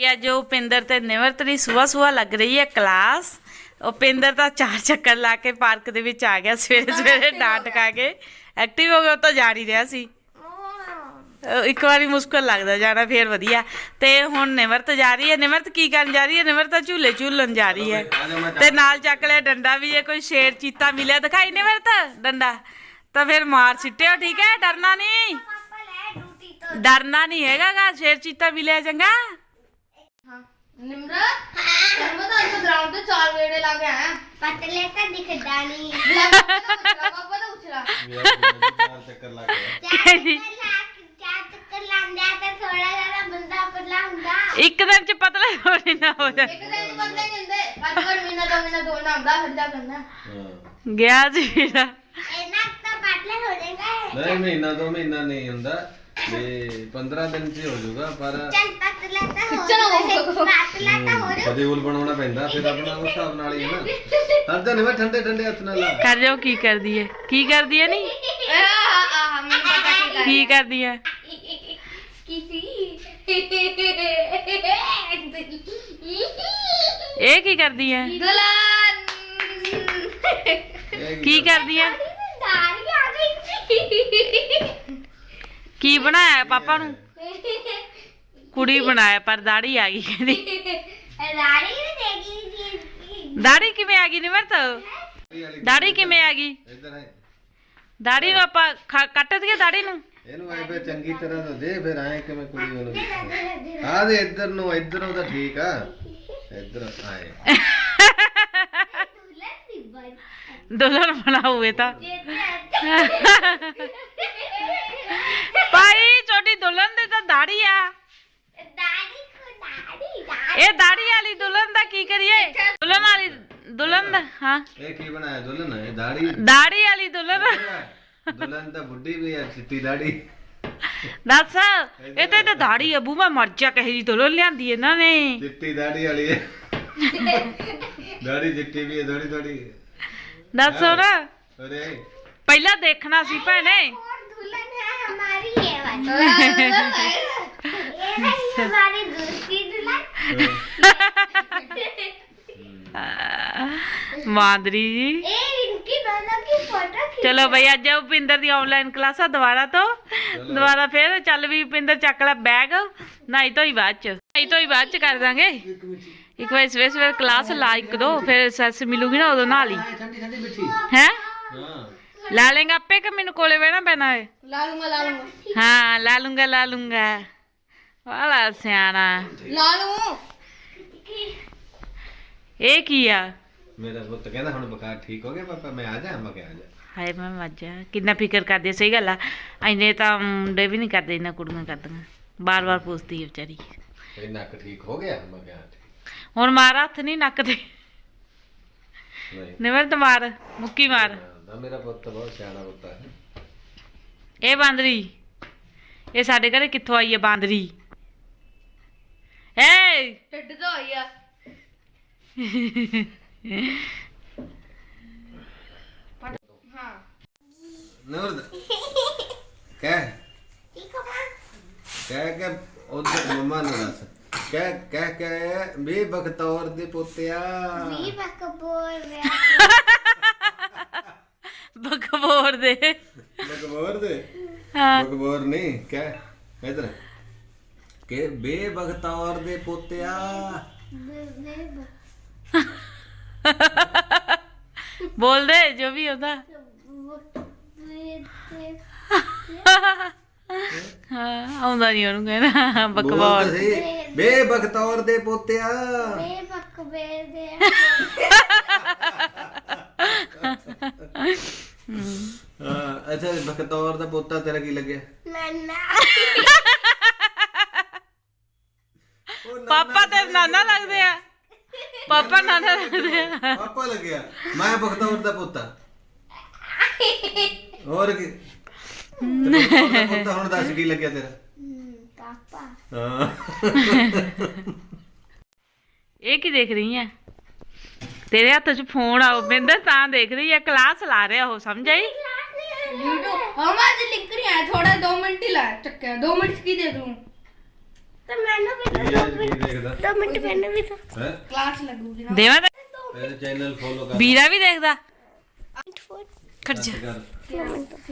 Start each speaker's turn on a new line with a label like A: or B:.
A: ਅੱਜ ਉਪਿੰਦਰ ਤੇ ਨਿਮਰਤ ਦੀ ਸੁਬਾਹ ਲੱਗ ਰਹੀ ਹੈ ਕਲਾਸ। ਉਪਿੰਦਰ ਤਾਂ 4 ਚੱਕਰ ਲਾ ਕੇ ਪਾਰਕ ਦੇ ਵਿੱਚ ਆ ਗਿਆ ਸਵੇਰੇ ਡਾਂਟ ਖਾ ਕੇ ਐਕਟਿਵ ਹੋ ਗਿਆ। ਉਹ ਤਾਂ ਜਾ ਹੀ ਰਿਹਾ ਸੀ। ਇੱਕ ਵਾਰੀ ਮੁਸ਼ਕਲ ਲੱਗਦਾ ਜਾਣਾ, ਫੇਰ ਵਧੀਆ। ਤੇ ਹੁਣ ਨਿਮਰਤ ਜਾ ਰਹੀ ਹੈ। ਨਿਮਰਤ ਕੀ ਕਰਨ ਜਾ ਰਹੀ ਹੈ? ਨਿਮਰਤ ਤਾਂ ਝੂਲੇ ਝੂਲਣ ਜਾ ਰਹੀ ਹੈ ਤੇ ਨਾਲ ਚੱਕ ਲਿਆ ਡੰਡਾ ਵੀ। ਜੇ ਕੋਈ ਸ਼ੇਰ ਚੀਤਾ ਮਿਲਿਆ ਦਿਖਾਈ ਨਿਮਰਤ ਡੰਡਾ ਤਾਂ ਫਿਰ ਮਾਰ ਸਿੱਟਿਓ, ਠੀਕ ਹੈ? ਡਰਨਾ ਨਹੀਂ, ਡਰਨਾ ਨਹੀਂ ਹੈਗਾ ਗਾ। ਸ਼ੇਰ ਚੀਤਾ ਮਿਲਿਆ ਚੰਗਾ।
B: निम्रत निम्रत आज ग्राउंड पे 4 गेड़े लगे हैं।
C: पतले का दिखता नहीं
B: पापा तो उछला
D: 4 ਚੱਕਰ ਲੱਗ ਗਿਆ।
C: चार चक्कर लांदा तो थोड़ा जरा बंदा पतला हुंदा।
A: ਇੱਕ ਦਿਨ ਚ ਪਤਲਾ ਹੋਣੇ ਨਾ ਹੋ ਜਾ।
B: एक दिन बंदे नहीं होंदे, आज महीना 2 महीना दौड़ना होता फिर जा करना।
D: ਹਾਂ
A: ਗਿਆ ਜੀ ਵੀਰਾ।
C: इतना तो पतले हो जाएगा।
D: ਨਹੀਂ ਮਹੀਨਾ 2 ਮਹੀਨਾ ਨਹੀਂ ਹੁੰਦਾ, ਇਹ 15 ਦਿਨ ਚ ਹੋ ਜਾਊਗਾ। ਪਰ
C: चल पतला तो हो
B: चलो।
C: पतला तो हो रहा।
D: ਸ਼ਡਿਊਲ ਬਣਾਉਣਾ ਪੈਂਦਾ ਫਿਰ ਆਪਣਾ ਉਸ ਹਿਸਾਬ ਨਾਲ ਹੀ ਹੈ ਨਾ। ਹਰ ਦਿਨ ਮੈਂ ਠੰਡੇ ਠੰਡੇ ਹੱਥ ਨਾਲ ਲਾ।
A: ਕਰ ਜਾਓ। ਕੀ ਕਰਦੀ ਹੈ? ਕੀ ਕਰਦੀ ਹੈ? ਨਹੀਂ
B: हमें पता
A: ਕੀ ਕਰਦੀ ਹੈ? ਇਹ ਕੀ ਕਰਦੀ ਹੈ?
B: दुल्हन
D: ਇਹ
A: ਕੀ ਕਰਦੀ ਹੈ?
C: दाढ़ी आ गई।
A: ਕੀ ਬਣਾਇਆ ਪਾਪਾ ਨੂੰ? ਕੁੜੀ ਬਣਾਇਆ ਪਰ ਦਾੜੀ ਆ ਗਈ ਕਹਿੰਦੀ।
C: दाढ़ी भी देगी।
A: ਦਾੜੀ ਕਿਵੇਂ ਆ ਗਈ ਨਿਮਰਤ? ਦਾੜੀ ਕਿਵੇਂ ਆ ਗਈ?
D: ਇੱਧਰ ਹੈ
A: ਦਾੜੀ ਨੂੰ ਆਪਾਂ ਕੱਟ ਦਈਏ ਦਾੜੀ ਨੂੰ।
D: ਇਹਨੂੰ ਐ ਫੇ ਚੰਗੀ ਤਰ੍ਹਾਂ ਤੋਂ ਦੇ, ਫਿਰ ਆਏ ਕਿਵੇਂ ਕੁੜੀ ਉਹਨੂੰ ਆ ਦੇ ਇੱਧਰ ਨੂੰ। ਇੱਧਰੋਂ ਤਾਂ ਠੀਕ ਆ, ਇੱਧਰ ਆਏ
A: ਦੁਲਹਨ ਬਣਾਉਏ ਤਾਂ ਭਾਈ ਛੋਟੀ ਦੁਲਹਨ ਦੇ ਤਾਂ ਦਾੜੀ ਆ।
C: दाढ़ी को दाढ़ी
A: ਇਹ ਦਾੜੀ ਵਾਲੀ ਦੁਲਹਨ ਦਾ ਕੀ ਕਰੀਏ? ਦੁਲਹਨ ਵਾਲੀ ਦੁਲਹਨ ਦਾ ਹਾਂ
D: ਇਹ ਕੀ ਬਣਾਇਆ ਦੁਲਹਨ? ਇਹ ਦਾੜੀ
A: ਦਾੜੀ ਵਾਲੀ ਦੁਲਹਨ।
D: ਦੁਲਹਨ ਤਾਂ ਬੁੱਢੀ ਵੀ ਆ, ਚਿੱਟੀ ਦਾੜੀ।
A: ਦੱਸ ਇਹ ਤਾਂ ਦਾੜੀ ਅਬੂ ਮੈਂ ਮਰ ਜਾ ਕਹੇ ਜੀ ਦੁਲਹਨ ਲਿਆਂਦੀ ਇਹਨਾਂ ਨੇ।
D: ਚਿੱਟੀ ਦਾੜੀ ਵਾਲੀ ਹੈ। ਦਾੜੀ ਚਿੱਟੀ ਵੀ ਹੈ ਥੋੜੀ ਥੋੜੀ।
A: ਦੱਸ ਹੁਣ
D: ਅਰੇ
A: ਪਹਿਲਾਂ ਦੇਖਣਾ ਸੀ ਭੈਣੇ।
C: और दुल्हन है हमारी ये वाली। ये रही हमारी दूसरी दुल्हन।
A: ਮਾਦਰੀ ਜੀ।
C: ए इनकी दोनों की फोटो खींच।
A: ਚਲੋ ਬਈ ਅੱਜ ਉਪਿੰਦਰ ਦੀ ਆਨਲਾਈਨ ਕਲਾਸਾਂ ਦੁਬਾਰਾ ਫੇਰ ਚੱਲ ਵੀ ਉਪਿੰਦਰ ਚੱਕ ਲੈ ਬੈਗ। ਨਹਾਈ ਧੋਈ ਬਾਅਦ ਚ ਕਰ ਦਾਂਗੇ। ਇੱਕ ਵਾਰ ਸਵੇਰੇ ਕਲਾਸ ਲਾ 1-2 ਫਿਰ ਸੈਸ ਮਿਲੂਗੀ ਨਾ ਉਦੋਂ ਨਹਾ ਲਈ।
D: ਠੰਡੀ ਠੰਡੀ ਮਿੱਠੀ।
A: ਹੈ
D: ਹਾਂ
A: ਲਾ ਲੇਗਾ ਆਪੇ ਕਿ ਮੈਨੂੰ ਕੋਲੇ ਬਹਿਣਾ ਪੈਣਾ ਹੈ?
B: ला लूंगा
A: ਹਾਂ ਲਾ ਲੂੰਗਾ ਵਾਲਾ ਸਿਆਣਾ।
B: ला लूं।
A: ਇਹ ਕੀ ਆ?
D: ਮੇਰਾ ਪੁੱਤ ਕਹਿੰਦਾ ਹੁਣ ਬੁਖਾਰ ਠੀਕ ਹੋ ਗਿਆ ਪਾਪਾ, ਮੈਂ ਆ ਜਾ। ਮੈਂ ਕਿਹਾ ਆ ਜਾ।
A: ਹਾਏ ਮੈਂ ਮੱਝ ਕਿੰਨਾ ਫਿਕਰ ਕਰਦੀ ਆ। ਸਹੀ ਗੱਲ ਆ, ਐਨੇ ਤਾਂ ਮੁੰਡੇ ਵੀ ਨਹੀਂ ਕਰਦੇ, ਇੰਨਾ ਕੁੜੀਆਂ ਕਰਦੀਆਂ। ਬਾਰ ਪੁੱਛਦੀ ਹੈ ਵਿਚਾਰੀ।
D: ਇਹ ਨੱਕ ਠੀਕ ਹੋ ਗਿਆ? ਮੈਂ ਕਿਹਾ ਠੀਕ।
A: ਹੁਣ ਮਾਰ ਹੱਥ ਨਹੀਂ ਨੱਕ ਤੇ।
D: ਨਹੀਂ
A: ਨਿਮਰਤ ਮਾਰ, ਮੁੱਕੀ ਮਾਰ।
D: ਨਾ ਮੇਰਾ ਪੁੱਤ ਬਹੁਤ ਸਿਆਣਾ ਪੁੱਤ ਹੈ।
A: ਇਹ ਬਾਂਦਰੀ ਇਹ ਸਾਡੇ ਘਰੇ ਕਿੱਥੋਂ ਆਈ ਹੈ ਬਾਂਦਰੀ? ਏ
B: टिड तो आई है। हाँ
D: ਨੂਰ ਕਹਿ
C: ठीक है मां।
D: ਕਹਿ ਉਧਰ ਮੰਮਾ ਨੂੰ ਦੱਸ। ਕਹਿ ਬੇ ਬਖਤੌਰ ਦੇ ਪੋਤਿਆ।
C: भी बक बोल रहा।
A: ਬਕਬੋਰ ਦੇ।
D: ਬਕਬੋਰ ਦੇ
A: ਹਾਂ
D: ਬਕਬੋਰ ਨਹੀਂ ਕਹਿ ਇਧਰ ਕਿ ਬੇ ਬਖਤੌਰ ਦੇ ਪੋਤਿਆ।
A: ਬੋਲ ਦੇ ਜੋ ਵੀ ਹੁੰਦਾ। ਹਾਂ ਆਉਂਦਾ ਨਹੀਂ ਉਹਨੂੰ ਕਹਿਣਾ ਬਕਬੋਰ।
D: ਬੋਲ ਸਹੀ। ਬੇ ਬਖਤੌਰ ਦੇ ਪੋਤਿਆ।
C: बक बेर दे।
D: ਹਾਂ ਅੱਛਾ ਬਖਤੌਰ ਦਾ ਪੋਤਾ ਤੇਰਾ ਕੀ ਲੱਗਿਆ?
C: नन्ना।
A: ਪਾਪਾ ਤੇ ਨਾਨਾ ਲੱਗਦੇ ਆ। ਪਾਪਾ ਨਾਨਾ ਲੱਗਦੇ ਆ।
D: ਪਾਪਾ ਲੱਗਿਆ। ਮੈਂ ਬਖਤੌਰ ਦਾ ਪੋਤਾ। ਹੋਰ ਕੀ ਬਖਤੌਰ ਦਾ ਪੋਤਾ। ਹੁਣ ਦੱਸ ਕੀ ਲੱਗਿਆ ਤੇਰਾ?
C: पापा।
D: ਹਾਂ
A: ਇਹ ਕੀ ਦੇਖ ਰਹੀ ਹੈ? ਤੇਰੇ ਹੱਥ 'ਚ ਫੋਨ ਆ ਬਿੰਦਰ ਤਾਂ ਦੇਖ ਰਹੀ ਹੈ। ਕਲਾਸ ਲਾ ਰਿਹਾ ਉਹ, ਸਮਝ ਆਈ?
B: वीडियो हमारे लिख रही है। थोड़ा 2 मिनट ही ला चक्के 2 मिनट की दे दूं।
C: ਤੇ ਮੈਨੂੰ ਵੀ
D: ਇਹ ਅੱਜ ਕੀ ਦੇਖਦਾ
C: 2 ਮਿੰਟ ਮੈਨੂੰ ਵੀ
D: ਹੈ
B: ਕਲਾਸ ਲੱਗੂਗੀ ਨਾ
A: ਦੇਵਾ
D: ਮੇਰੇ ਚੈਨਲ ਫੋਲੋ ਕਰ
A: ਵੀਰਾ ਵੀ ਦੇਖਦਾ
C: ਮਿੰਟ ਫੋਰ
A: ਖੜ ਜਾ
D: ਕਰ